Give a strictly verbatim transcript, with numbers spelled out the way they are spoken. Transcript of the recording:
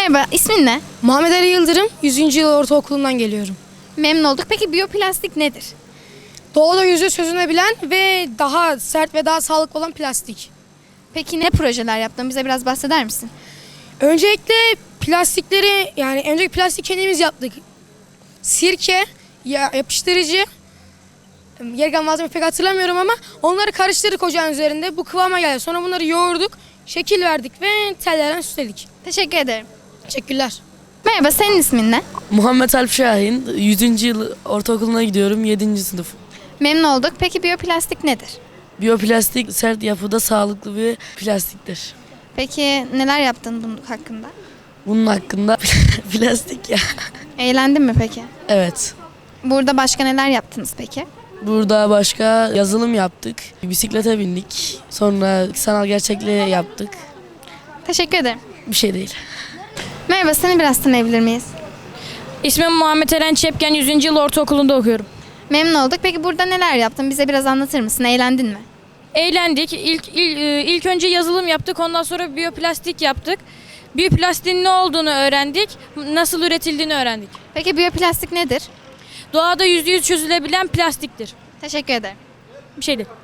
Merhaba, ismin ne? Muhammed Ali Yıldırım, yüzüncü yıl ortaokulundan geliyorum. Memnun olduk. Peki biyoplastik nedir? Doğada yüzde çözünebilen ve daha sert ve daha sağlıklı olan plastik. Peki ne projeler yaptın? Bize biraz bahseder misin? Öncelikle plastikleri, yani öncelikle plastik kendimiz yaptık. Sirke, ya, yapıştırıcı, geri kalan malzeme pek hatırlamıyorum ama onları karıştırdık ocağın üzerinde. Bu kıvama geldi. Sonra bunları yoğurduk, şekil verdik ve tellerden süsledik. Teşekkür ederim. Teşekkürler. Merhaba, senin ismin ne? Muhammed Alp Şahin, yüzüncü yıl ortaokuluna gidiyorum, yedinci sınıf. Memnun olduk. Peki biyoplastik nedir? Biyoplastik sert yapıda sağlıklı bir plastiktir. Peki neler yaptın bunun hakkında? Bunun hakkında plastik ya. Eğlendin mi peki? Evet. Burada başka neler yaptınız peki? Burada başka yazılım yaptık, bisiklete bindik, sonra sanal gerçekliğe yaptık. Teşekkür ederim. Bir şey değil. Merhaba, seni biraz tanıyabilir miyiz? İsmim Muhammed Eren Çepken, yüzüncü yıl ortaokulunda okuyorum. Memnun olduk. Peki burada neler yaptın? Bize biraz anlatır mısın? Eğlendin mi? Eğlendik. İlk, ilk, ilk önce yazılım yaptık, ondan sonra biyoplastik yaptık. Biyoplastiğin ne olduğunu öğrendik, nasıl üretildiğini öğrendik. Peki biyoplastik nedir? Doğada yüzde yüz çözülebilen plastiktir. Teşekkür ederim. Bir şey değil.